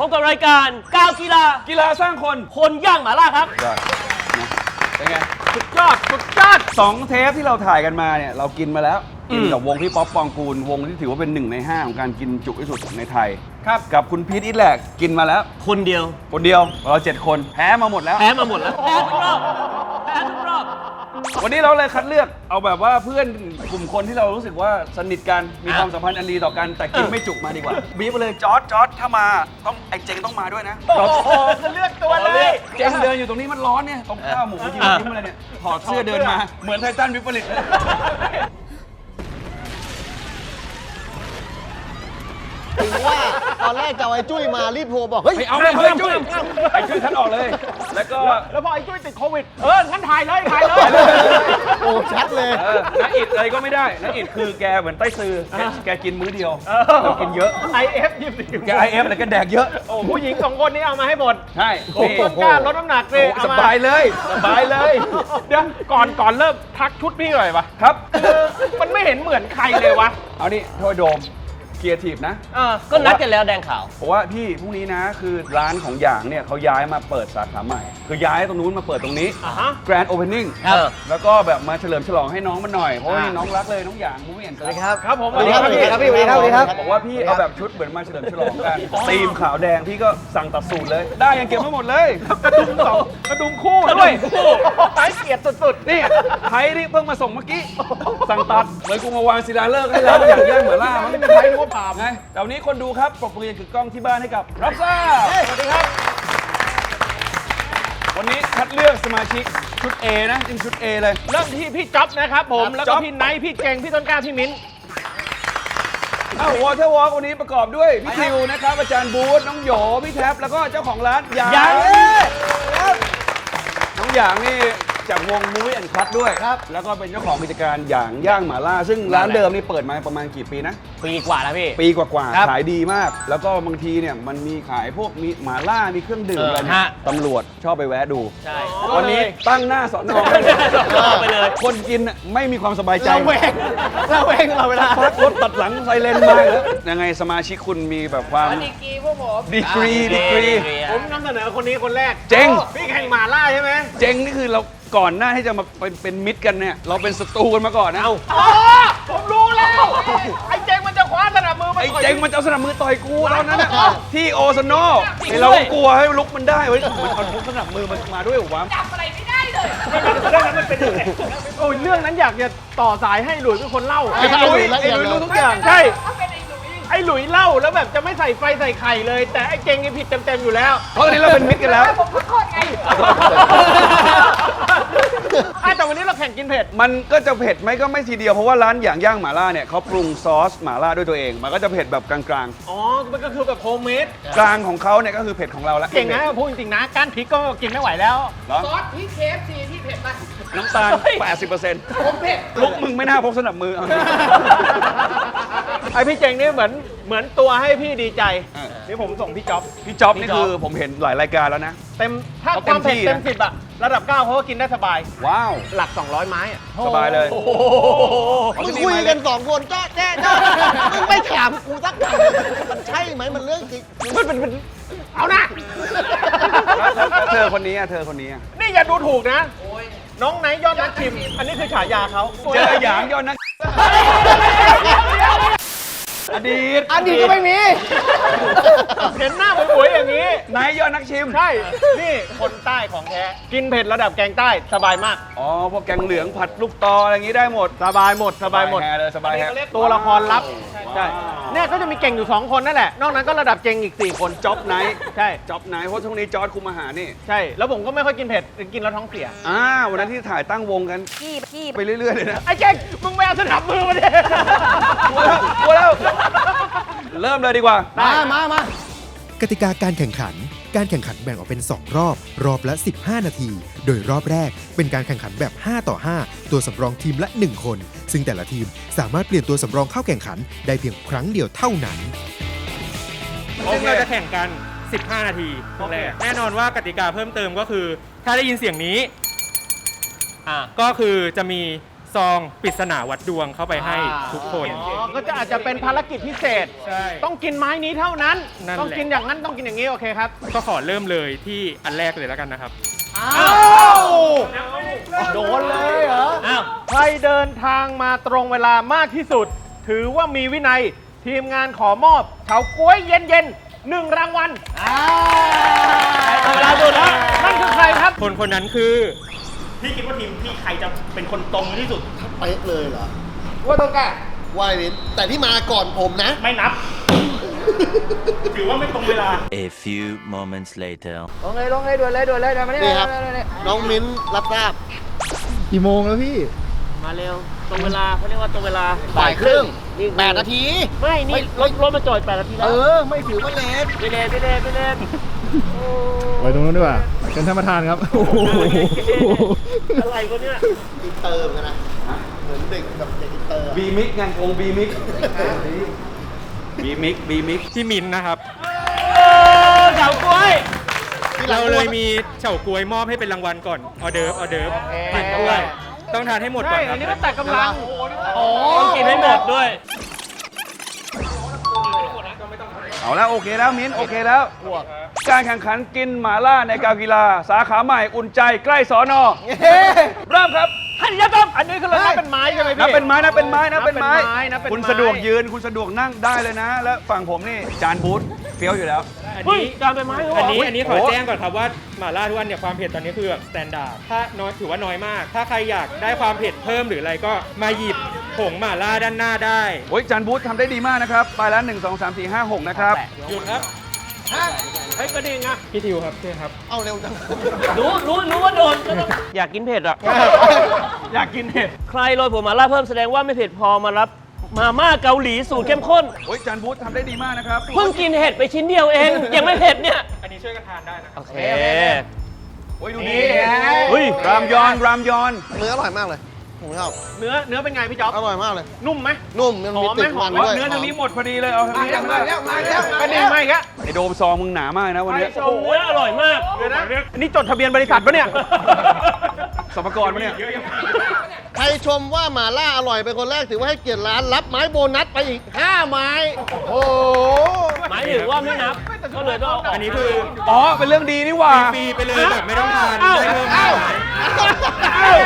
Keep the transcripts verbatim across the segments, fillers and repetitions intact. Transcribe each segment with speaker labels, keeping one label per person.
Speaker 1: พบกับรายการก้าวกีฬา
Speaker 2: กีฬาสร้างคน
Speaker 1: คนย่างหม่าล่าครับ
Speaker 2: เป็นไง
Speaker 1: สุดยอดสุดยอด
Speaker 2: สองเทปที่เราถ่ายกันมาเนี่ยเรากินมาแล้วกินกับวงพี่ป๊อปปองกูลวงที่ถือว่าเป็นหนึ่งในห้าของการกินจุที่สุดในไทยครับกับคุณพีทอิทแหลกกินมาแล้ว
Speaker 1: คนเดียว
Speaker 2: คนเดียวเราเจ็ดคนแพ้มาหมดแล้ว
Speaker 1: แพ้มาหมดแล้วแพ้ทุกรอบแพ้ทุกรอบ
Speaker 2: วันนี้เราเลยคัดเลือกเอาแบบว่าเพื่อนกลุ่มคนที่เรารู้สึกว่าสนิทกันมีความสัมพันธ์อันดีต่อกันแต่กินไม่จุกมาดีกว่าบีบไปเลยจอร์จจอร์จถ้ามาต้องไอ้เจงต้องมาด้วยนะ
Speaker 1: โอ้โหเลือกตัวเลย
Speaker 2: เจงเดินอยู่ตรงนี้มันร้อนเนี่ยตรงข้าวหมูยืนยิ้มอะไรเนี่ยถอดเสื้อเดินมาเหมือนไททันวิปริต
Speaker 3: ถึงว่าตอนแรกจะเอาไอ้จุ้ยมารีบโทรบอกเฮ้ย
Speaker 2: เอาไม่เอาไอ้จุ้ยไอ้จุ้ยท่านออกเลยแล้วก็
Speaker 1: แล้วพอไอ้จุ้ยติดโควิดเออท่านถ่ายเลยถ่ายเลย
Speaker 3: โอ้ชัดเลย
Speaker 2: น้าอิดอะไรก็ไม่ได้น้าอิดคือแกเหมือนไต้ซือแกกินมื้อเดียวเรากินเยอะ
Speaker 1: ไอ เอฟ ยี่สิบสี่
Speaker 2: แก ไอ เอฟ อะไรก็แดกเยอะ
Speaker 1: โอ้ผู้หญิงสองคนนี้เอามาให้หมด
Speaker 2: ใช่
Speaker 1: ต้นกล้าลดน้ำหนักเลย
Speaker 2: สบายเลยสบายเลย
Speaker 1: เดี๋ยวก่อนก่อนเริ่มทักชุดพี่หน่อยปะ
Speaker 2: ครับ
Speaker 1: มันไม่เห็นเหมือนใครเลยวะ
Speaker 2: เอานี่โทษโดมเกียร์ทีฟนะ
Speaker 1: ก็นัดกันแล้วแดงขาว
Speaker 2: เพราะว่าพี่พรุ่งนี้นะคือร้านของหยางเนี่ยเขาย้ายมาเปิดสาขาใหม่คือย้ายตรงนู้นมาเปิดตรงนี้ Grand Opening แล้วก็แบบมาเฉลิมฉลองให้น้องมันหน่อยเพราะว่าน้องรักเลยน้องหยางมูวี่แอนด์สวัสดีครับ
Speaker 1: ครับผม
Speaker 3: สวัสดีครับสวัสดีครับพี่สวัสดีครับสวัสดีครับ
Speaker 2: บอกว่าพี่เอาแบบชุดเหมือนมาเฉลิมฉลองกันธีมขาวแดงพี่ก็สั่งตัดสูตรเลยได้ยังเก็บไม่หมดเลย
Speaker 1: กระดุมสองกระดุมคู่ด้วยไร้เกียรติสุดๆ
Speaker 2: นี่ไทยนี่เพิ่งมาส่งเมื่อกี้สั่งตัดเหมือนกูมาวางศิลาฤกษ์ให้แล้วอย่างย่างเหมือนล่ามันไม่ไทยนึกว่าผ่านไงแต่วันนี้คนดูครับปรบมือคือกล้องที่บ้านให้กับรับทราบสวัสดีครับวันนี้คัดเลือกสมาชิกชุด A นะจริงชุด A เลย
Speaker 1: เริ่มที่พี่จ๊อบนะครับผมแล้วก็พี่ไนท์พี่เก่งพี่ต้นกล้าพี่มิ้น
Speaker 2: อ้าววอเตอร์วอล์กวันนี้ประกอบด้วยพี่ทิวนะครับอาจารย์บูธน้องโหยพี่แท็บแล้วก็เจ้าของร้านหยางน้องหยางนี่จากวงมูวี่แอนด์คัทด้วยครับแล้วก็เป็นเจ้าของกิจการหยางย่างหม่าล่าซึ่งร้านเดิมนี่เปิดมาประมาณกี่ปีนะ
Speaker 1: ปีกว่าแล้วพี่
Speaker 2: ปีกว่าๆขายดีมากแล้วก็บางทีเนี่ยมันมีขายพวกมีหม่าล่ามีเครื่องดื่มอะไรเนี่ยตำรวจชอบไปแวะดู
Speaker 1: ใช่
Speaker 2: วันนี้ตั้งหน้าสอนอ
Speaker 1: ไปเลย
Speaker 2: คนกินไม่มีความสบายใจ
Speaker 1: เราแวงเราแวงเราเวลา
Speaker 2: พักรถตัดหลังไซเรนมาแล้วยังไงสมาชิกคุณมีแบบความ
Speaker 1: ดีกรีพวกผม
Speaker 2: ดีกรีดีกรี
Speaker 1: ผมนำเสนอคนนี้คนแรก
Speaker 2: เจ๋ง
Speaker 1: พี่แข่งหม่าล่าใช่ไหม
Speaker 2: เจ๋งนี่คือเราก่อนหน้าที่จะมาเป็นเป็นมิตรกันเนี่ยเราเป็นศัตรูกันมาก่อนนะ
Speaker 1: อ๋อผมรู้แล้วไอ้เจงมันจะคว้าสนับมือ
Speaker 2: ไอ้เจงมันจะเอาสนับมือต่อยกูตอนนั้นนะที่โอซโนเราก็กลัวให้ลุกมันได้เว้ยมันเอาสนับมือมันมาด้วยหรอวะ
Speaker 4: จับอะไรไม่ได้เลย
Speaker 1: เรื่องนั้นมันเป็นยังไงโอ้ยเรื่องนั้นอยากจะต่อสายให้หลุยเป็นคนเล่า
Speaker 2: ไอ้หลุยไอ้หลุยรู้ทุกอย่าง
Speaker 1: ใช่ไอ้หลุยเล่าแล้วแบบจะไม่ใส่ไฟใส่ไข่เลยแต่ไอ้เจงนี่ผิดเต็มๆอยู่แล้ว
Speaker 2: เพราะตอนนี้เราเป็นมิตรกันแล้ว
Speaker 4: ผมขอโทษไง
Speaker 1: แต่วันนี้เราแข่งกินเผ็ด
Speaker 2: มันก็จะเผ็ดไหมก็ไม่ทีเดียวเพราะว่าร้านอย่างย่างหม่าล่าเนี่ยเขาปรุงซอสหม่าล่าด้วยตัวเองมันก็จะเผ็ดแบบกลาง
Speaker 1: ๆอ๋อมันก็คือแบบโฮมเมด
Speaker 2: กลางของเขาเนี่ยก็คือเผ็ดของเราแล้ว
Speaker 1: เก่งนะพูดจริงๆนะก้านพริกก็กินไม่ไหวแล้ว
Speaker 4: ซอสพริกเคฟซีที่เผ็ดไหม
Speaker 2: น้ำตาล แปดสิบเปอร์เซ็นต์
Speaker 4: ผมเผ็ด
Speaker 2: ลุกมึงไม่น่าพกสนับมือ
Speaker 1: ไอพี่เจงนี่เหมือนเหมือนตัวให้พี่ดีใจนี่ผมส่งพี่จ๊อบ
Speaker 2: พี่จ๊อบนี่คือผมเห็นหลายรายการแล้วนะ
Speaker 1: เต็มถ้าความเผ็ดเต็มสิบอะระดับเก้าเขาก็กินได้สบาย
Speaker 2: ว้าว
Speaker 1: หลักสองร้อยไม้อะ
Speaker 2: สบายเลย
Speaker 3: มึงคุยกันสองคนจ้าแจ้จ้ามึงไม่ถามกูสักคำมันใช่ไหมมันเรื่องจริง
Speaker 1: มันเป็นเอานะ
Speaker 2: เธอคนนี้อะเธอคนนี้อะ
Speaker 1: นี่อย่าดูถูกนะน้องไนท์ยอดนักชิมอันนี้คือฉายาเขา
Speaker 2: เจอหยางยอดนักอดีต
Speaker 3: อดีตก็ไม่มี
Speaker 1: เห็นหน้าหวยๆอย่างนี้
Speaker 2: นายยอดนักชิม
Speaker 1: ใช่นี่คนใต้ของแท้กินเผ็ดระดับแกงใต้สบายมาก
Speaker 2: อ๋อพวกแกงเหลืองผัดลูกตออะไรอย่างนี้ได้หมด
Speaker 1: สบายหมดสบายหมด
Speaker 2: เลยสบายแฮ
Speaker 1: ตัวละครลับใช่เนี่ยก็จะมีเก่งอยู่สองคนนั่นแหละนอกนั้นก็ระดับเก่งอีกสี่คน
Speaker 2: จ๊อบไนท์
Speaker 1: ใช่
Speaker 2: จ๊อบไนท์เพราะช่วงนี้จอร์จคุมอาหารนี่
Speaker 1: ใช่แล้วผมก็ไม่ค่อยกินเผ็ดกินแล้วท้องเสีย
Speaker 2: อ่าวันนั้นที่ถ่ายตั้งวงกัน
Speaker 4: ขี้ขี้
Speaker 2: ไปเรื่อยๆเลยนะ
Speaker 1: ไอ้เก่งมึงไม่เอาสนับมือมาดิ
Speaker 2: กลัวแล้วกลัวแล้วเริ่มเลยดีกว่า
Speaker 3: มามามา
Speaker 5: กติกาการแข่งขันการแข่งขันแบ่งออกเป็นสองรอบรอบละสิบห้านาทีโดยรอบแรกเป็นการแข่งขันแบบห้าต่อห้าตัวสำรองทีมละหนึ่งคนซึ่งแต่ละทีมสามารถเปลี่ยนตัวสำรองเข้าแข่งขันได้เพียงครั้งเดียวเท่านั้น
Speaker 6: ซึ่งเราจะแข่งกันสิบห้านาทีแรกแน่นอนว่ากติกาเพิ่มเติมก็คือถ้าได้ยินเสียงนี้ก็คือจะมีซองปริศนาวัดดวงเข้าไปให้ทุกคน
Speaker 1: อ๋อ ก็จะอาจจะเป็นภารกิจพิเศษ
Speaker 6: ใช่
Speaker 1: ต้องกินไม้นี้เท่านั้น
Speaker 6: นั่นแหละ
Speaker 1: ต้องกินอย่างนั้นต้องกินอย่างนี้โอเคครับ
Speaker 6: ก็ขอเริ่มเลยที่อันแรกเลยแล้วกันนะครับ
Speaker 1: อ้าว โดนเลยเหรอ อ้าว ใครเดินทางมาตรงเวลามากที่สุด ถือว่ามีวินัย ทีมงานขอมอบเฉาก๊วยเย็นๆหนึ่งรางวัลเวลาดูแล้วนั่นคือใครครับ
Speaker 6: คนคนนั้นคือ
Speaker 7: พี่คิดว่าทีมพี่ใครจะเป็นคนตรงที่สุด
Speaker 3: เป๊ะเลยเหรอ
Speaker 1: ว่าต้องการ
Speaker 3: วายวินแต่ที่มาก่อนผมนะ
Speaker 7: ไม่นับ ถือว่าไม่ตรงเวลา
Speaker 8: A few moments later.
Speaker 1: ลงเลยลงเลยด่วนเลยด่วนเลยเดี๋ยวมา
Speaker 3: นี่ครับ น้องมิ้นรับทราบ
Speaker 9: กี่โมงแล้วพี่
Speaker 10: มาเร็ว ตรงเวลาเขาเรียกว่าตรงเวลา
Speaker 3: บ่ายครึ่ง
Speaker 10: นี่
Speaker 3: แปดนาที
Speaker 10: ไม่ นี่รถรถมาจอดแปดนาทีแล้
Speaker 3: เอ
Speaker 10: ว
Speaker 3: อ ไม่ถือว่าเลท
Speaker 10: ไปเลยไปเลยไปเลย
Speaker 9: ไปตรงนู้นดีกว่าเป็นท่านประธานครับ โอ้โห
Speaker 10: อะไรวะเนี่ย
Speaker 3: อินเตอร์เหมือนกันนะ เหมือนเด็กกับเด็กอินเตอร์อะ
Speaker 2: บีมิกไงวงบีมิกบีมิกบีมิก
Speaker 6: พี่มินนะครับ
Speaker 1: เฉาก๊วย
Speaker 6: เราเลยมีเฉาก๊วยมอบให้เป็นรางวัลก่อนออเดิร์ฟออเดิร์ฟกินด้วย ต้องทานให้หมดก่
Speaker 1: ใช่
Speaker 6: อนค
Speaker 1: อั
Speaker 6: รั
Speaker 1: น
Speaker 6: บ
Speaker 1: นี้ก็แต่กำลังโอ้
Speaker 10: ต้องกินให้หมดด้วย
Speaker 2: เอาแล้วโอเคแล้วมิ้นโอเคแล้ว การแข่งขันกินหมาล่าในการกีฬา สาขาใหม่อุ่นใจใกล้สอนอเริ่มครับ
Speaker 1: ฮันยะต้มอันนี้คือเรานับเป็นไม้ใช่ไหมพี่
Speaker 2: นับเป็นไม้นะเป็นไม้นะเป็นไม้
Speaker 1: นับเป็นไม้
Speaker 2: คุณสะดวกยืนคุณสะดวกนั่งได้เลยนะ แล้วฝั่งผมนี่จานบูธเฟี้ยวอยู่แล้ว
Speaker 6: อัน
Speaker 10: เฮ้ย
Speaker 6: นี้
Speaker 10: การเป็นไม้เหรอ
Speaker 6: อันนี้
Speaker 2: อุ๊ย
Speaker 6: อันนี้ขอ
Speaker 2: โอ้
Speaker 6: แจ้งก่อนครับว่าหม่าล่าทุกอันเนี่ยความเผ็ดตอนนี้คือแบบสแตนดาร์ดถ้าน้อยถือว่าน้อยมาก ถ้าใครอยากได้ความเผ็ดเพิ่มหรืออะไรก็มาหยิบผงหม่าล่าด้านหน้าได้
Speaker 2: โอ้ยจานบูธทำได้ดีมากนะครับไปแล้วหนึ่งสองสามสี่ห้าหกนะครับ
Speaker 6: หยุดครับ
Speaker 1: เฮ้ยกระดิ่งอะ
Speaker 6: พี่ทิวครับเช่ครับ
Speaker 3: เอาเร็วจัง
Speaker 10: รู้รู้รู้ว่าโดนก็ต้องอยากกินเผ็ดอ่ะ
Speaker 1: อยากกินเห็ด
Speaker 10: ใครโรยผงมาล่าเพิ่มแสดงว่าไม่เผ็ดพอมารับมาม่าเกาหลีสูตรเข้มข้น
Speaker 2: โอ้ยจานบูธทำได้ดีมากนะครับ
Speaker 10: เพิ่งกินเห็ดไปชิ้นเดียวเอง ยังไม่เผ็ดเนี่ย
Speaker 6: อันนี้ช่วยกันทานได้นะ
Speaker 10: โอเค
Speaker 2: โอ้ยดูดี
Speaker 10: เฮ้ย
Speaker 2: รามยอนรามยอน
Speaker 3: เนื้ออร่อยมากเลยผมชอบ
Speaker 1: เนื้อเนื้อเป็นไงพี่จ๊อบ
Speaker 3: อร่อยมากเลย
Speaker 1: นุ่มไหม
Speaker 3: นุ่มยังมี
Speaker 1: หอมไหม
Speaker 3: ติดมัน
Speaker 1: หอมไหม
Speaker 3: ด้วย
Speaker 2: เนื้อทางนี้หมดพอดีเลยเอาทางนี้
Speaker 1: มาแล้วมาแล้วกระดิ่งมาอีกแล้ว
Speaker 2: ไอโดมซองมึงหนามากนะวันนี้
Speaker 10: ชมเนื้ออร่อยมาก
Speaker 1: เดี๋ยวนะอันนี้จดทะเบียนบริษัทปะเนี่ย
Speaker 2: สมรกรปะเนี่ย
Speaker 3: ใครชมว่าหมาล่าอร่อยเป็นคนแรกถือว่าให้เกียรติร้านรับไม้โบนัสไปอีกห้าไม้ โอ้โห
Speaker 10: หมายถึงว่าไม่นับ ก็เลยต้องเอาออก
Speaker 6: อันนี้คือ
Speaker 2: อ๋อเป็นเรื่องดีนี่หว่า
Speaker 6: ฟรีไปเลยแบบไม่ต้องทาน
Speaker 1: เอ้า
Speaker 6: ได้เพิ่ม
Speaker 1: เอ้า
Speaker 6: เอ้า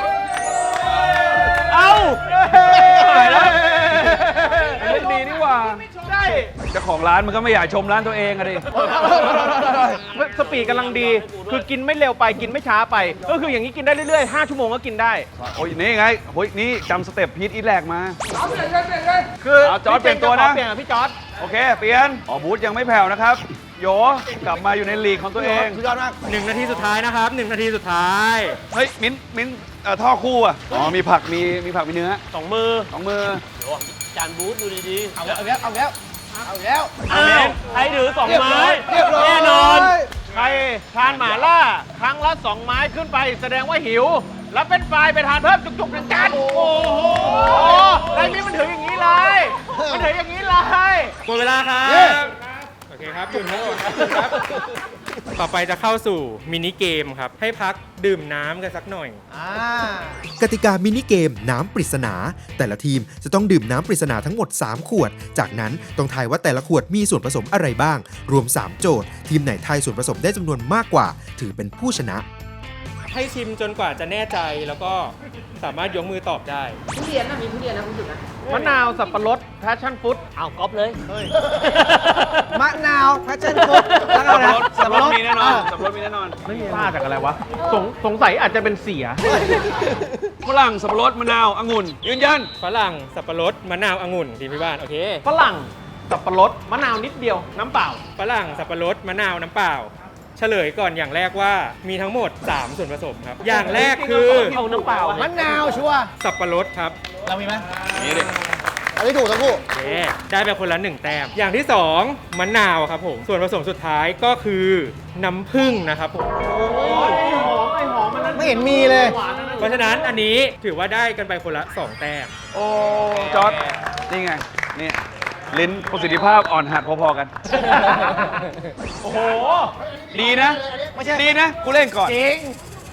Speaker 1: เอ้า
Speaker 2: ตายแล้วเป็นเรื่องดีนี่หว่า
Speaker 1: ใช่
Speaker 2: เจ้าของร้านมันก็ไม่อยากชมร้านตัวเองอะดิ
Speaker 1: สปีดกำลังดี คือกินไม่เร็วไปกินไม่ช้าไป ก็คืออย่างนี้กินได้เรื่อยๆห้าชั่วโมงก็กินได้
Speaker 2: โอ้ยนี่ไงโอ้ยนี่จำสเต็ปพีทอีทแรกมา
Speaker 1: คือ
Speaker 2: เอาจอร์จเปลี่ยนตัวนะ
Speaker 1: เปลี่ยนกับพี่จอร์ด
Speaker 2: โอเค เปลี่ยนอ๋อบูธยังไม่แผ่วนะครับ โยกลับมาอยู่ในลีกของตัวเอง
Speaker 3: สุดยอดมาก
Speaker 6: หนึ่งนาทีสุดท้ายนะครับหนึ่งนาทีสุดท้าย
Speaker 2: เฮ้ย มิ้นมิ้นเอ่อท่อคู่อ่ะ อ๋อ มีผัก มี มีผัก มีเนื้อ
Speaker 10: สองมือ
Speaker 2: สองมือ
Speaker 10: จานบูธดูดีๆ
Speaker 3: เอาแล้ว เอาแล้ว เอาแล้ว เอาแล้ว
Speaker 10: อ้าวใครถือสองไม้
Speaker 3: เรียบร้อย
Speaker 10: แน่นอน
Speaker 1: ใครทานหม่าล่า ครั้งละสองไม้ขึ้นไป แสดงว่าหิว แล้วเป็นไฟล์ไปทานเพิ่มจุกๆหนึ่งจานโอ้โหไรนี่มันถืออย่างนี้เลย มันถืออย่างนี้เลย
Speaker 6: หมดเวลาครับ โอเคครับหยุดครับครับ ต่อไปจะเข้าสู่มินิเกมครับ ให้พักดื่มน้ำกันสักหน่อย
Speaker 5: กติกามินิเกมน้ำปริศนา แต่ละทีมจะต้องดื่มน้ำปริศนาทั้งหมด สาม ขวด จากนั้นต้องทายว่าแต่ละขวดมีส่วนผสมอะไรบ้าง รวม สาม โจทย์ ทีมไหนทายส่วนผสมได้จำนวนมากกว่า ถือเป็นผู้ชนะ
Speaker 6: ให้ชิมจนกว่าจะแน่ใจแล้วก็สามารถยกมือตอบได้
Speaker 4: ทุเรียนนะมีทุเรียนนะคุณจุดนะ
Speaker 1: มะนาว สับปะรด แพชชั่นฟุต
Speaker 10: เอาก๊อปเลย
Speaker 3: มะนาวแพชชั่นฟรุตแล้วก็
Speaker 2: สับ
Speaker 3: อะไร
Speaker 2: ปะรดสับปะรดมีแน่นอนสับปะรดมีแน่นอน
Speaker 1: ไม่พลาดจากอะไรวะ สงสงสัยอาจจะเป็นเสีย
Speaker 2: ฝรั่ง สับปะรด มะนาว องุ่น ยืนยัน
Speaker 6: ฝรั่งสับปะรดมะนาวองุ่นทีมพี่บ้านโอเค
Speaker 1: ฝรั่ง สับปะรด มะนาวนิดเดียว น้ำเปล่า
Speaker 6: ฝรั่งสับปะรดมะนาวน้ำเปล่า เฉลยก่อนอย่างแรกว่ามีทั้งหมด สาม ส่วนผสมครับ อย่างแรกคือ
Speaker 10: เอาน้ำเปล่า
Speaker 3: มะนาวชัวร์
Speaker 6: สับปะรดครับ
Speaker 3: เรามีไหม
Speaker 2: นี่ดิ
Speaker 3: อันนี้ถูกทั้งคู่
Speaker 6: โอเคได้ไปคนละหนึ่งแต้ม อย่างที่สองมะนาวครับผมส่วนผสมสุดท้ายก็คือน้ำผึ้งนะครับผม
Speaker 1: ไอ้หอม ไอ้หอมมันนั้น
Speaker 3: ไม่เห็นมีเลย
Speaker 1: หวานนั่นน่ะ
Speaker 6: เพราะฉะนั้นอันนี้ถือว่าได้กันไปคนละสองแต้ม
Speaker 2: โอ้ จอร์ดนี่ไง นี่ ลิ้นประสิทธิภาพอ่อนหัดพอๆกัน
Speaker 1: โอ้โห
Speaker 2: ดีนะ ดีนะ กูเล่นก่อน
Speaker 3: จริง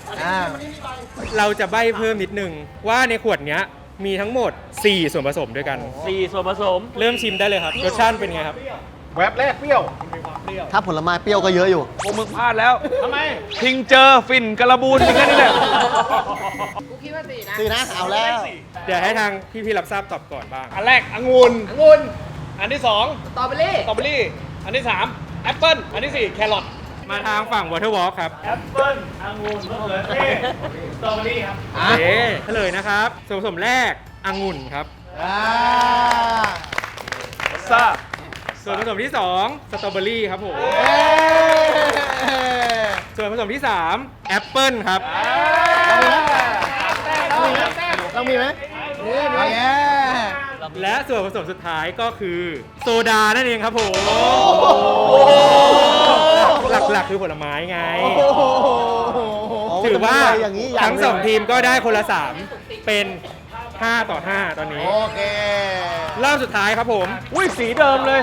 Speaker 3: อ่า
Speaker 6: เราจะใบ้เพิ่มนิดนึงว่าในขวดเนี้ยมีทั้งหมด สี่ ส่วนผสมด้วยกัน
Speaker 10: สี่ส่วนผสม
Speaker 6: เริ่มชิมได้เลยครับรสชาติเป็นไงครับ
Speaker 1: แวบแรกเปรี้ยว
Speaker 3: ถ้าผลไม้เปรี้ยวก็เยอะอยู่
Speaker 2: พวกมึงพลาดแล้ว
Speaker 1: ทำไม
Speaker 2: ทิงเจอฟินกระบูนมีแค่นี้แหละ
Speaker 4: กูคิดว่าสี่นะ
Speaker 3: สี่นะ เอาแล้ว
Speaker 6: เดี๋ยวให้ทางพี่ๆรับทราบตอบก่อนบ้าง
Speaker 1: อันแรกองุ่นองุ่นอันที่สอง
Speaker 4: สตรอเบอรี่
Speaker 1: สตรอเบอรี่ อันที่สามแอปเปิ้ลอันที่สี่แครอท
Speaker 6: มาทางฝั่ง Water Walk ครับ
Speaker 7: แอปเปิ้ลองุ่นมะเขือเทศสตรอเบอรี่ครับ
Speaker 6: โอเคเฉลยนะครับ ส่วนผสมแรกองุ่นครับ
Speaker 3: อ่า
Speaker 2: ซ่า
Speaker 6: ส่วนผสมที่สองสตรอเบอรี่ครับผม
Speaker 3: เอ้ย
Speaker 6: ส่วนผสมที่สามแอปเปิ้ลครับ
Speaker 3: ต้องมีไหมนี่มีแง่
Speaker 6: และส่วนผสมสุดท้ายก็คือโซดานั่นเองครับผม หลักๆคือผลไม้ไง ถือว่า
Speaker 3: อย่างนี้
Speaker 6: ทั้งสองทีมก็ได้คนละสามเป็นห้าต่อห้าตอนนี้
Speaker 3: โอเค
Speaker 6: รอบสุดท้ายครับผม
Speaker 1: อุ้ยสีเดิมเลย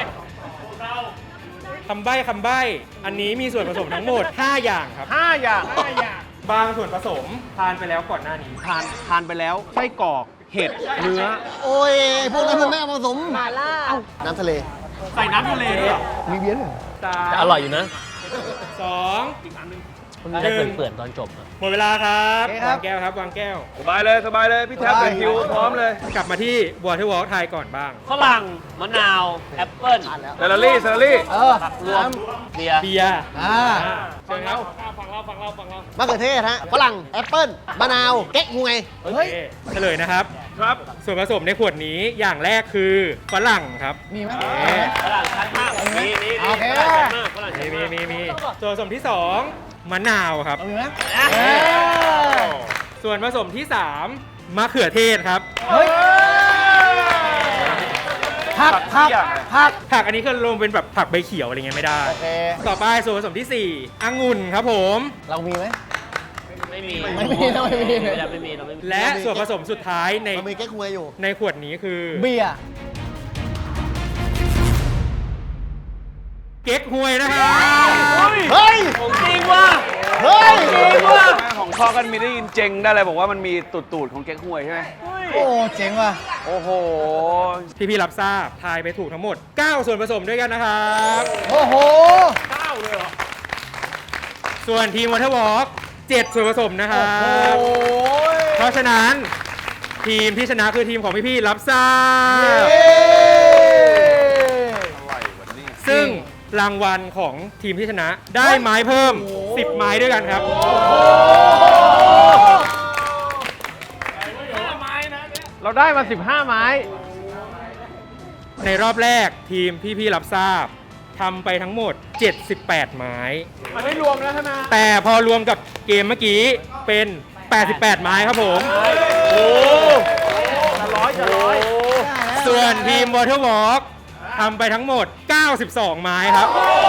Speaker 6: คำใบ้คำใบ้ อันนี้มีส่วนผสมทั้งหมด ห้า อย่างครับ
Speaker 1: ห้าอย่าง
Speaker 6: บางส่วนผสมทานไปแล้วก่อนหน้านี้
Speaker 1: ทานทานไปแล้วไส้กรอกเห็ดเนื้อ
Speaker 3: โอ้ย พวกนั้นมันไม่เอามาผสมมาล่าน้ำทะเล
Speaker 1: ใส่น้ำทะเลด้วยเหรอ
Speaker 3: มีเบียร์ด้วย
Speaker 6: สาม
Speaker 10: แต่อร่อยอยู่นะ
Speaker 6: สอง
Speaker 10: ได้เปื่อนๆตอนจบอะ
Speaker 6: หมดเวลาครับ
Speaker 3: โอเคครับ
Speaker 6: วางแก้วครับ วางแก้ว
Speaker 2: สบายเลยสบายเลย พี่แท็บเป็นคิวพร้อมเลย
Speaker 6: กลับมาที่ Water Walk ไทยก่อนบ้าง
Speaker 10: ฝรั่งมะนาว แอปเปิ้ล
Speaker 2: เซลลี่เซลลี่
Speaker 3: เออ
Speaker 10: ผักรวมเบียร์
Speaker 6: เบียร์
Speaker 3: อ่า
Speaker 6: เชิญครับ
Speaker 3: มะเขือเทศฮะ ฝรั่ง แอปเปิ้ล มะนาว เก๊กฮวย
Speaker 6: โอเคเฉลยนะครับ
Speaker 2: ครับ
Speaker 6: ส่วนผสมในขวดนี้อย่างแรกคือฝรั่งครับ
Speaker 3: มีไหม
Speaker 6: โอเค
Speaker 10: ฝรั่งชัดมากมีมี
Speaker 3: โอเค
Speaker 10: ฝรั่งชัดมากฝรั่งชั
Speaker 6: มี
Speaker 10: ด
Speaker 6: มี
Speaker 10: มาก
Speaker 6: มีมีส่วนผสมที่สองมะนาวครับ
Speaker 3: มีไหม
Speaker 6: ส่วนผสมที่สามมะเขือเทศครับ
Speaker 3: เฮ้ยผักผักผัก
Speaker 6: ผักอันนี้คือรวมเป็นแบบผักใบเขียวอะไรเงี้ยไม่ได้
Speaker 3: โอเค
Speaker 6: ต่อไปส่วนผสมที่สี่องุ่นครับผม
Speaker 3: เรามีไหม
Speaker 10: ไม่มี
Speaker 3: ไม่มีนะไม่มี
Speaker 10: ไม่ได้ไม่มีเราไม่มี
Speaker 6: และส่วนผสมสุดท้ายใน
Speaker 3: เรามีเก๊กฮวยอยู่
Speaker 6: ในขวดนี้คือ
Speaker 3: เบียร์
Speaker 6: เก๊กฮวยนะครับ
Speaker 3: เฮ้ย
Speaker 10: ของจริงว่ะ
Speaker 3: เฮ้ย
Speaker 2: ของพ่อกันมีได้ยินเจงได้เลยบอกว่ามันมีตูดตูดๆของเก๊กฮวยใช่ไหม
Speaker 3: โอ้เจ๋งว่ะ
Speaker 2: โอ้โห
Speaker 6: พี่พี่ๆรับทราบทายไปถูกทั้งหมด เก้า ส่วนผสมด้วยกันนะครับ
Speaker 3: โอ้โห
Speaker 6: ส่วนทีมวอเตอร์วอล์กเจ็ดส่วนผสมนะครับ เพราะฉะนั้นทีมที่ชนะคือทีมของพี่พี่ๆรับทราบ ซึ่งรางวัลของทีมที่ชนะได้ไม้เพิ่ม สิบ ไม้ด้วยกันครับ
Speaker 1: เราได้มาสิบห้าไม้
Speaker 6: ในรอบแรกทีมพี่พี่ๆรับทราบทำไปทั้งหมด เจ็ดสิบแปด ไม้
Speaker 1: อันนี้รวมแล้วใช่ไหม
Speaker 6: แต่พอรวมกับเกมเมื่อกี้เป็น แปดสิบแปด ไม้ครับผม
Speaker 1: จะร้อยจะร้อย
Speaker 6: ส่วนทีม Water Walk ทำไปทั้งหมด เก้าสิบสอง ไม้ครับ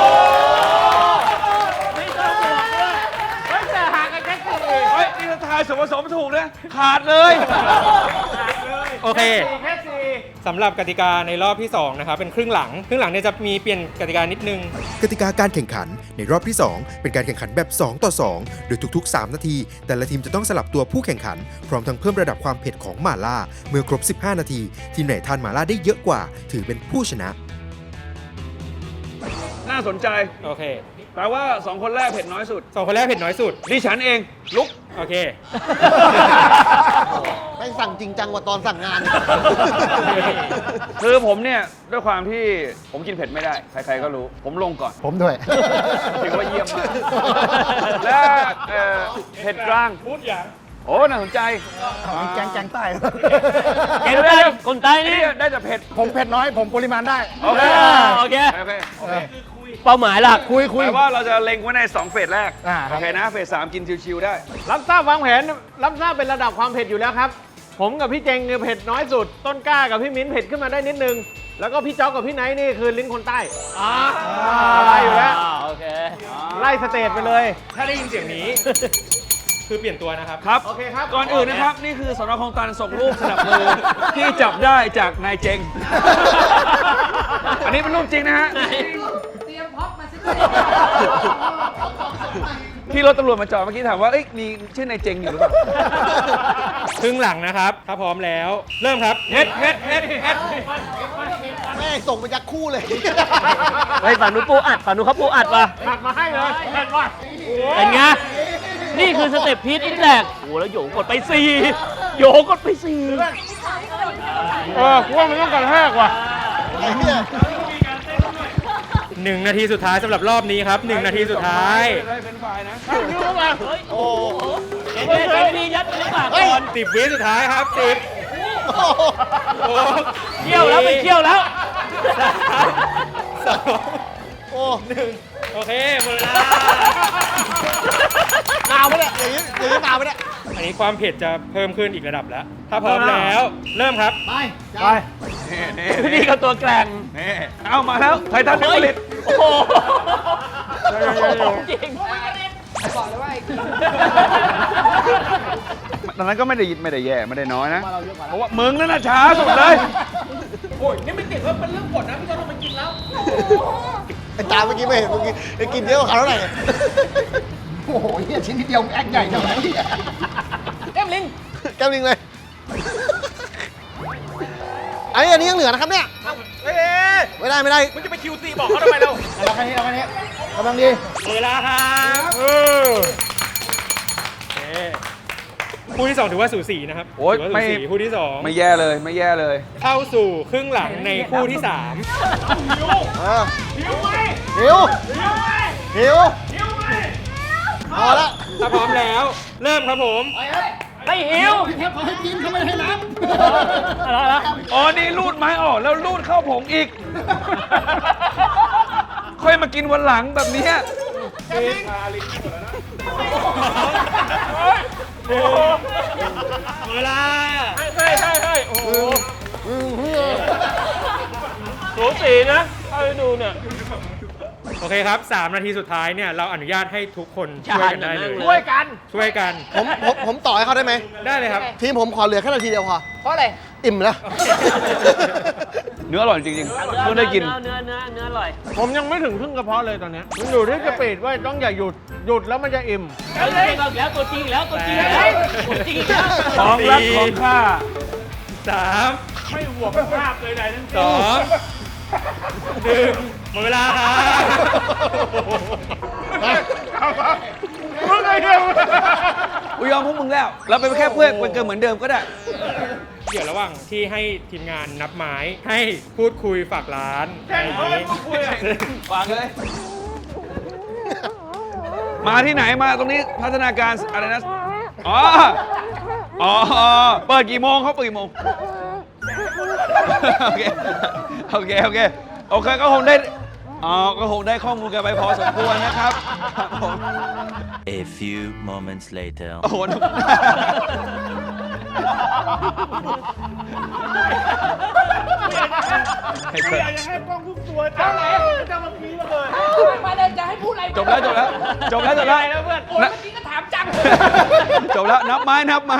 Speaker 1: เฮ้ยแต่ห่างกันแค่สี่
Speaker 2: เฮ้ย นี่ถ้าทายส่วนผสมถูกนะขาดเลย
Speaker 6: โอเค
Speaker 1: แค่สี่
Speaker 6: สำหรับกติกาในรอบที่ สอง นะครับ เป็นครึ่งหลัง ครึ่งหลังเนี่ยจะมีเปลี่ยนกติกานิดนึง
Speaker 5: กติกาการแข่งขันในรอบที่ สอง เป็นการแข่งขันแบบ สอง ต่อ สอง โดยทุกๆ สาม นาที แต่ละทีมจะต้องสลับตัวผู้แข่งขัน พร้อมทั้งเพิ่มระดับความเผ็ดของหม่าล่า เมื่อครบ สิบห้า นาที ทีมไหนทานหม่าล่าได้เยอะกว่า ถือเป็นผู้ชนะ
Speaker 2: น่าสนใจ
Speaker 6: โอเค
Speaker 2: แปลว่าสองคนแรกเผ็ดน้อยสุด
Speaker 6: สองคนแรกเผ็ดน้อยสุด
Speaker 2: ดิฉันเอง ลุก
Speaker 6: โอเค
Speaker 3: ไม่สั่งจริงจังกว่าตอนสั่งงาน
Speaker 2: คือผมเนี่ย ด้วยความที่ผมกินเผ็ดไม่ได้ ใครๆก็รู้ ผมลงก่อน
Speaker 3: ผมด้วย
Speaker 2: ถือว่าเยี่ยมมาก และเอ่อเผ็ดกลาง
Speaker 6: พูดอย่าง
Speaker 2: โอ้ น่าสนใจ
Speaker 3: มีแกงแกงใต้
Speaker 10: เก่งได้คนใต้นี่
Speaker 2: นี่ได้แต่เผ็ด
Speaker 3: ผมเผ็ดน้อย ผมปริมาณได้
Speaker 2: โอเค
Speaker 10: โอเค
Speaker 2: โอเคโอเค
Speaker 10: เป้าหมายหลัก
Speaker 3: คุยคุย
Speaker 2: แปลว่าเราจะเล็งไว้ในสองเฟสแรก
Speaker 3: อ่าครับ
Speaker 2: โอเคนะ เฟสสามกินชิวๆได้
Speaker 1: รับทราบวางแผนรับทราบเป็นระดับความเผ็ดอยู่แล้วครับ ผมกับพี่เจงเนี่ยเผ็ดน้อยสุด ต้นกล้ากับพี่มิ้นเผ็ดขึ้นมาได้นิดนึง แล้วก็พี่จ๊อกกับพี่ไนท์นี่คือลิ้นคนใต้อะไรอยู่แล้ว
Speaker 10: โอเค
Speaker 1: ไล่สเตจไปเลย
Speaker 6: ถ้าได้ยินเสียงนี้ คือเปลี่ยนตัวนะครับ
Speaker 2: ครับ
Speaker 1: โอเคครับ
Speaker 2: ก่อนอื่นนะครับ นี่คือสนคลองตันส่งรูปสนับมือ ที่จับได้จากนายเจง อันนี้เป็นรูปจริงนะฮะ
Speaker 4: เตรียมพ็อปมาสิ
Speaker 2: ที่รถตำรวจมาจอดเมื่อกี้ถามว่าเอ้ยมีชื่อนายเจงอยู่หรือเปล่า
Speaker 6: ครึ่งหลังนะครับ ถ้าพร้อมแล้ว เริ่มครับเฮ็ดเฮ็ดเฮ็ดเฮ็ด
Speaker 3: แม่งส่งไปยักคู่เลย
Speaker 10: ไอ้ยฝั่งนู้นปูอัดฝั่งนู้นเขาปูอัดว่ะ
Speaker 1: หักมาให้เลยเห็นว่า
Speaker 10: เป็นไงนี่คือสเต็ปพีทอินแลกโอ้โหแล้วโยกดไปสี่โยกดไปสี่
Speaker 1: เออกูว่ามันต้องกระแทกว่ะ
Speaker 3: ไอ้เหี้ย
Speaker 10: หนึ่งนาทีสุดท้ายสำหรับรอบนี้ครับหนึ่งนาทีสุดท้าย
Speaker 2: ได้เป็นฝ่ายนะ
Speaker 3: โอ้โห
Speaker 10: เฮ้ยเฮ้ยมียัดไปในปากก่อน
Speaker 6: สิบวิสุดท้ายครับสิบ
Speaker 3: โอ้โห
Speaker 10: เที่ยวแล้วไปเที่ยวแล้ว
Speaker 6: สอง
Speaker 3: โอ้
Speaker 6: หนึ่งโอเคหมดเวลา
Speaker 3: หนาวปะเนี่ยอย่างนี้อย่างนี้หนาวปะเนี่ย
Speaker 6: อันนี้ความเผ็ดจะเพิ่มขึ้นอีกระดับแล้ว ถ้าพร้อมแล้ว เริ่มครับ
Speaker 3: ไป
Speaker 2: ไปนี่นี่
Speaker 10: นี่ก็ตัวแกร่ง
Speaker 2: นี่เอามาแล้วไททันเนผลิต
Speaker 10: โอ้โหจริง
Speaker 4: บอกเลยว่าไอ้
Speaker 2: ตอนนั้นก็ไม่ได้ยินไม่ได้แย่ไม่ได้น้อยนะ เพราะว่ามึงนั่นน่ะช้าสุดเลย
Speaker 3: ไอ้ตาเมื่อกี้ไม่เห็นเมื่อกี้ไอ้กินเยอะกว่าเขาเท่าไหร่เนี่ยโอ้โหเฮียชิ้นนิดเดียวแอคใหญ่จังเลยแก้มลิงแก้มลิงเลยอันนี้อันนี้ยังเหลือนะครับเนี่ย
Speaker 1: เอ้ย
Speaker 3: ไม่ได้ไม่ได้
Speaker 1: มึงจะไปคิวซีบอกเขาทำไมเรา
Speaker 3: เอาแค่นี้เอาแค่นี้กำลังดี
Speaker 6: เวลาครับเออโอเคคู่ที่สองถือว่าสูสีนะครับ
Speaker 2: โอ๊ย
Speaker 6: ถืว่า
Speaker 2: ไม่
Speaker 6: สูสีคู่ที่สอง
Speaker 2: ไม่แย่เลยไม่แย่เลย
Speaker 6: เข้าสู่ครึ่งหลังในคู่ที่สาม
Speaker 3: เออหิวไหมหิวหิวพอละ
Speaker 6: ถ้าพร้อมแล้ว เริ่มครับผม
Speaker 10: ไม่หิว
Speaker 2: อ๋อ นี่รูดไม้ออกแล้วรูดเข้าผงอีก ค่อยมากินวันหลังแบบเนี้ย
Speaker 6: เวลา
Speaker 10: เฮ้ยเฮ้ยเฮ้ยโอ้โหสูสีนะเอาไปดูเนี่ย
Speaker 6: โอเคครับสามนาทีสุดท้ายเนี่ยเราอนุญาตให้ทุกคนช่วยกันได้เลย
Speaker 1: ช่วยกัน
Speaker 6: ช่วยกัน
Speaker 3: ผมผมผมต่อให้เขาได้ไหม
Speaker 6: ได้เลยครับ
Speaker 3: ทีมผมขอเหลือแค่นาทีเดียวพอ
Speaker 4: เพราะอะไร
Speaker 3: อิ่มแล้ว
Speaker 2: เนื้ออร่อยจริงๆเพิ่งได้กิน
Speaker 10: เนื้อเนื้อเนื้ออร่อย
Speaker 1: ผมยังไม่ถึงครึ่งกระเพาะเลยตอนเนี้ยมันอยู่ที่สปีดว่าต้องอย่าหยุด หยุดแล้วมันจะอิ่ม
Speaker 10: ตัวจริงอีกแล้วตัวจริงอีกแล้วตัวจริงอีกแล้วตัวจริงอีกแล้ว
Speaker 2: ของรักของข้า
Speaker 6: สาม
Speaker 1: ไม่ห่วงภาพเลยไหนทั้ง
Speaker 6: สองหนึ่งหมดเวลาครับ
Speaker 1: มึงไงเดียว
Speaker 2: กูยอมพวกมึงแล้ว เราเป็นแค่เพื่อนเป็นเกินเหมือนเดิมก็ได้
Speaker 6: เดี๋ยวระหว่างที่ให้ทีมงานนับไม้ให้พูดคุยฝากร้านอะไรอย่างนี้
Speaker 2: วางเลย มาที่ไหนมาตรงนี้พัฒนาการอะไรนะ อ๋อ อ๋อ เปิดกี่โมงเขาเปิดกี่โมง โอเค โอเค โอเค โอเค ก็คงได้ อ๋อ ก็คงได้ข้อมูลกันไปพอสมควรนะครับครับผม
Speaker 8: A few moments later.
Speaker 2: โอ้โห
Speaker 1: อยากจะให้ป้องทุกตัวจ้าไหนจะมาพีมาเลย
Speaker 4: มาเลยจะให้พูดอะไร
Speaker 2: จบแล้ว จบแล้ว จบแล้ว จบแล้ว
Speaker 1: แล้วเพื่อน
Speaker 4: โอ้ยเมื่อกี้ก็ถามจัง
Speaker 2: จบแล้ว นับไม้ นับไม้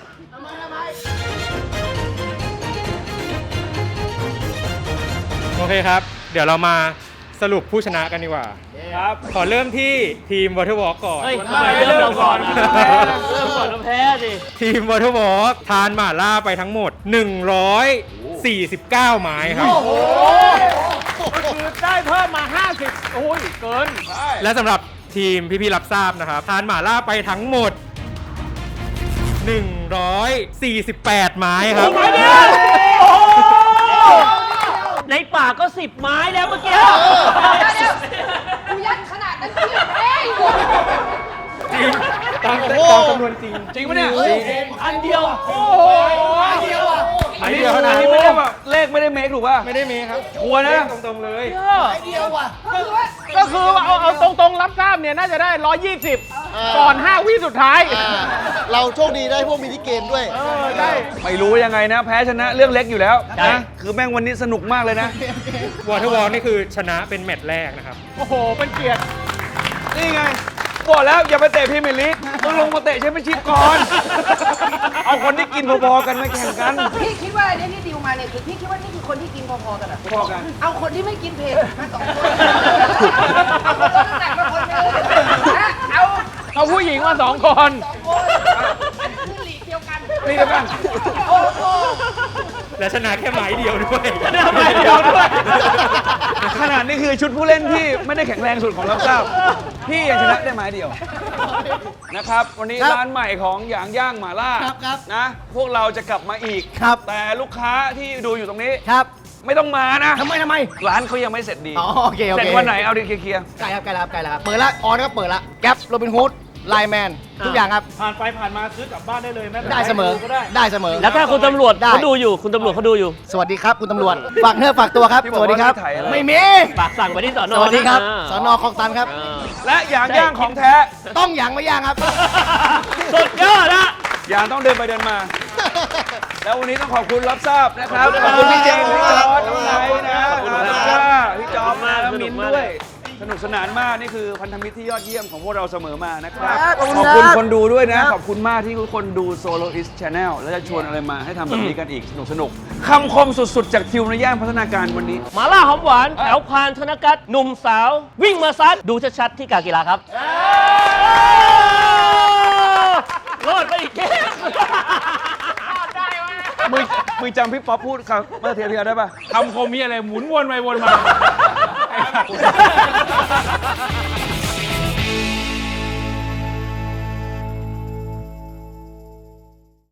Speaker 6: โอเคครับ เดี๋ยวเรามาสรุปผู้ชนะกันดีกว่า ครับ ขอเริ่มที่ทีม Waterwalk ก่อน
Speaker 10: เฮ้ยทำไมเริ่มเราก่อนอะเริ่มก่อนเราแพ้สิ
Speaker 6: ทีม Waterwalk ทานหม่าล่าไปทั้งหมด หนึ่งร้อยสี่สิบเก้า ไม้ครับ
Speaker 1: โอ้โหคือได้เพิ่มมา ห้าสิบ โอ้ย เกิน
Speaker 6: และสำหรับทีมพี่ๆรับทราบนะครับ ทานหม่าล่าไปทั้งหมด หนึ่งร้อยสี่สิบแปด ไม้ครับ
Speaker 10: ในปากก็สิบไม้แล้วเมื่อกี้
Speaker 4: เดี๋ยวกูยัดขนาดนั้นจริงเฮ้ย
Speaker 6: จริงตามตามจำนวนจริง
Speaker 2: จริงปะเนี่ย
Speaker 10: อันเดียว
Speaker 1: โอ้โหเดียวอ่ะ
Speaker 2: อันนี้ขนาดนี้ไม่ได้แบบเลขไม่ได้เมคถูกป่ะ
Speaker 6: ไม่ได้มีครับ
Speaker 2: ชัวร์นะ
Speaker 6: ตรงๆเลย
Speaker 1: ก็คือว่าเอาเอาตรงๆ รับทราบเนี่ย น่าจะได้ ร้อยยี่สิบ ก่อน ห้า วิสุดท้าย
Speaker 3: อ่าเราโชคดีได้พวกมินิเกมด้วย
Speaker 1: เออ ได้
Speaker 2: ไม่รู้ยังไงนะ แพ้ชนะเรื่องเล็กอยู่แล้วนะคือแม่งวันนี้สนุกมากเลยนะ
Speaker 6: Waterwalk นี่คือชนะเป็นแมตช์แรกนะครับ
Speaker 1: โอ้โห เป็นเกียรติ
Speaker 2: นี่ไง บอกแล้วอย่าไปเตะพรีเมียร์ลีกต้องลงมาเตะแชมเปี้ยนชิพก่อน เอาคนที่กินพอๆกันมาแข่งกัน
Speaker 4: พี่คิดว่าอันนี้ที่ดิวมาเนี่ยคือพี่คิดว่านี่คือคนที่กินพอๆกันเหรอ
Speaker 2: พอกัน
Speaker 4: เอาคนที่ไม่กินเผ็ดมาสองคนเอาคนลดน้ำหนักมาคนหนึงนะเอา
Speaker 1: เอาผู้หญิงมาสองคน
Speaker 2: นี่เดียวกัน
Speaker 6: และชนะแค่ไม้เดียวด้วย
Speaker 10: ชนะไม้เดียวด้วย
Speaker 2: ขนาดนี้คือชุดผู้เล่นที่ไม่ได้แข็งแรงสุดของรับทราบพี่ยังชนะได้ไม้เดียวนะครับ วันนี้
Speaker 3: ครับ
Speaker 2: ร้านใหม่ของหยางย่างหม่าล่า
Speaker 3: ครับครับ
Speaker 2: นะ พวกเราจะกลับมาอีก
Speaker 3: ครับ
Speaker 2: แต่ลูกค้าที่ดูอยู่ตรงนี้
Speaker 3: ครับ
Speaker 2: ไม่ต้องมานะ
Speaker 3: ทำไมทำไม
Speaker 2: ร้านเขายังไม่เสร็จดี
Speaker 3: อ๋อโอเคโอเค
Speaker 2: เสร็จวันไหนเอาดิเคลียร์
Speaker 3: ใกล้ครับใกล้แล้วครับใกล้แล้วครับเปิดละออนก็เปิดละแก๊ปโรบินฮูดไลแมนทุกอย่างครับ
Speaker 7: ผ่านไปผ่านมาซื้อกลับบ้านได้เลยแม้แต่
Speaker 3: ได้เสมอ
Speaker 7: ก็ได้
Speaker 3: ได้เสมอ
Speaker 10: แล้วถ้าคุณตำรวจ
Speaker 3: ได้
Speaker 10: เขาดูอยู่ คุณตำรวจเขาดูอยู่
Speaker 3: สวัสดีครับคุณตำรวจฝากเนื้อฝากตัวครับ
Speaker 2: ที่บ
Speaker 3: ส
Speaker 2: อก
Speaker 3: วัสดีครับ
Speaker 2: ว่าไม่ถ่ายอะไร
Speaker 3: ไม่มี
Speaker 10: ฝากสั่งไปที่สอน
Speaker 3: ส
Speaker 10: อ
Speaker 3: วัสดีครับ
Speaker 10: นะ
Speaker 3: สนคลองตันครับ
Speaker 10: เออ
Speaker 2: และหยางย่างของแท้
Speaker 3: ต้องหยางไม่ย่างครับ
Speaker 10: สุดยอดนะ
Speaker 2: หยางต้องเดินไปเดินมา แล้ววันนี้ต้องขอบคุณรับทราบนะครับ ข
Speaker 3: ข
Speaker 2: อ
Speaker 3: อ
Speaker 2: บบ
Speaker 3: คุ
Speaker 2: คุณ
Speaker 3: ณ
Speaker 2: พี่เจมส์
Speaker 3: ขอบ
Speaker 2: พี่
Speaker 3: คุณ
Speaker 2: จ
Speaker 3: ครั
Speaker 2: อบ ร์ดน้องไนท์นะ
Speaker 3: ขอบคุณ
Speaker 2: อา
Speaker 3: ครับ
Speaker 2: ตาพี่จอบมาแล้ว
Speaker 10: สนุ
Speaker 2: มิ
Speaker 10: ก
Speaker 2: น
Speaker 10: มาก
Speaker 2: ด้วย สนุกสนานมากนี่คือพันธมิตรที่ยอดเยี่ยมของพวกเราเสมอมานะครับ
Speaker 3: ครับ
Speaker 2: ขอบ
Speaker 3: ขอบคุ
Speaker 2: คุณ
Speaker 3: ณครับ
Speaker 2: คนดูด้วยนะ ขอบคุณมากที่ทุกคนดู Soloist Channel แล้วจะชวนอะไรมาให้ทำแบบนี้กันอีกสนุกสนุกคำคมสุดๆ จากทิวในย่านพัฒนาการวันนี้
Speaker 10: หมาล่าหอมหวานแถวพานธนกัตหนุ่มสาว วิ่งมาซัดดูชัดๆที่กากีฬาครับรอดไปอีกเกม
Speaker 2: มึงมึงจำพี่ป๊อปพูดครับเมื่อเทียเทียได้ปะ
Speaker 6: คำคมมีอะไรหมุนวนไปวนมา